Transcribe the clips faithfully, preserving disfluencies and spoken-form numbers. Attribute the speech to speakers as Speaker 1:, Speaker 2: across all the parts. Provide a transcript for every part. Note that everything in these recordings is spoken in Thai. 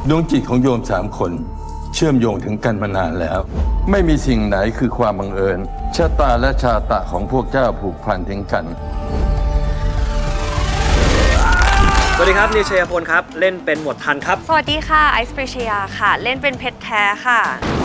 Speaker 1: ดวงจิตของโยมสามคนเชื่อมโยงถึงกันมานานแล้ว ไม่มีสิ่งไหนคือความบังเอิญชะตาและชาตะของพวกเจ้าผูกพันถึงกัน
Speaker 2: สวัสดีครับนิวชัยพลครับเล่นเป็นหมวดทันครับ
Speaker 3: สวัสดีค่ะไอซ์ปริชยาค่ะเล่นเป็นเพชรแท้ค่ะ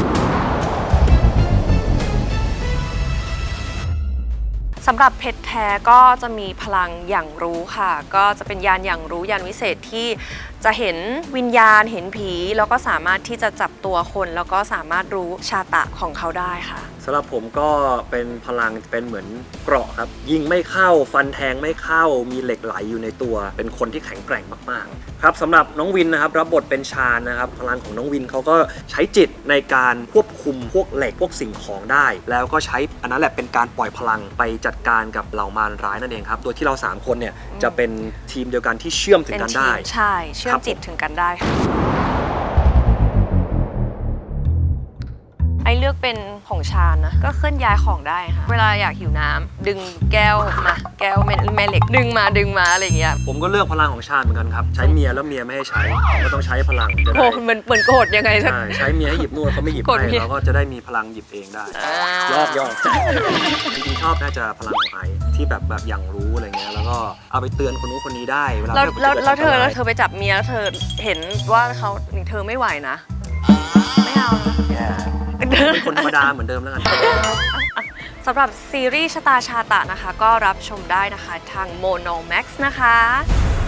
Speaker 3: สำหรับเพชรแท้ก็จะมีพลังอย่างรู้ค่ะก็จะเป็นยานอย่างรู้ยานวิเศษที่จะเห็นวิญญาณเห็นผีแล้วก็สามารถที่จะจับตัวคนแล้วก็สามารถรู้ชาตะของเขาได้ค่ะ
Speaker 2: สำหรับผมก็เป็นพลังเป็นเหมือนเกราะครับยิงไม่เข้าฟันแทงไม่เข้ามีเหล็กไหลอยู่ในตัวเป็นคนที่แข็งแกร่งมากๆครับสำหรับน้องวินนะครับรับบทเป็นชาญนะครับพลังของน้องวินเขาก็ใช้จิตในการควบคุมพวกเหล็กพวกสิ่งของได้แล้วก็ใช้อันนั้นแหละเป็นการปล่อยพลังไปจัดการกับเหล่ามารร้ายนั่นเองครับโดยที่เราสามคนเนี่ยจะเป็นทีมเดียวกันที่เชื่อมถึงกันได้
Speaker 3: ใช่เชื่อมจิตถึงกันได้ค่ะไอเลือกเป็นของชาญนะก็เคลื่อนย้ายของได้ค่ะเวลาอยากหิวน้ำดึงแก้วมาแก้วแม่เหล็กดึงมาดึงมาอะไรอย่างเงี้ย
Speaker 2: ผมก็เลือกพลังของชาญเหมือนกันครับใช้เมียแล้วเมียไม่ให้ใช้ก็ต้องใช้พลังจะได้
Speaker 3: โอ้เหมือนเหมือนโกรธยังไง
Speaker 2: ใช่ใช้เมียให้หยิบนวดเขาไม่หยิบให้เราก็จะได้มีพลังหยิบเองได้ยอกยอกจริงๆชอบน่าจะพลังของไอที่แบบแบบอย่างรู้อะไรเงี้ยแล้วก็เอาไปเตือนคนนู้นคนนี้ได้เวลา
Speaker 3: แล้วแล้วเธอแล้วเธอไปจับเมียแล้วเธอเห็นว่าเขาเธอไม่ไหวนะไม่เอานะ
Speaker 2: เป็นคนธรรมดาเหมือนเดิมแล้วกัน
Speaker 3: สำหรับซีรีส์ชะตาชาตะนะคะก็รับชมได้นะคะทาง Mono Max นะคะ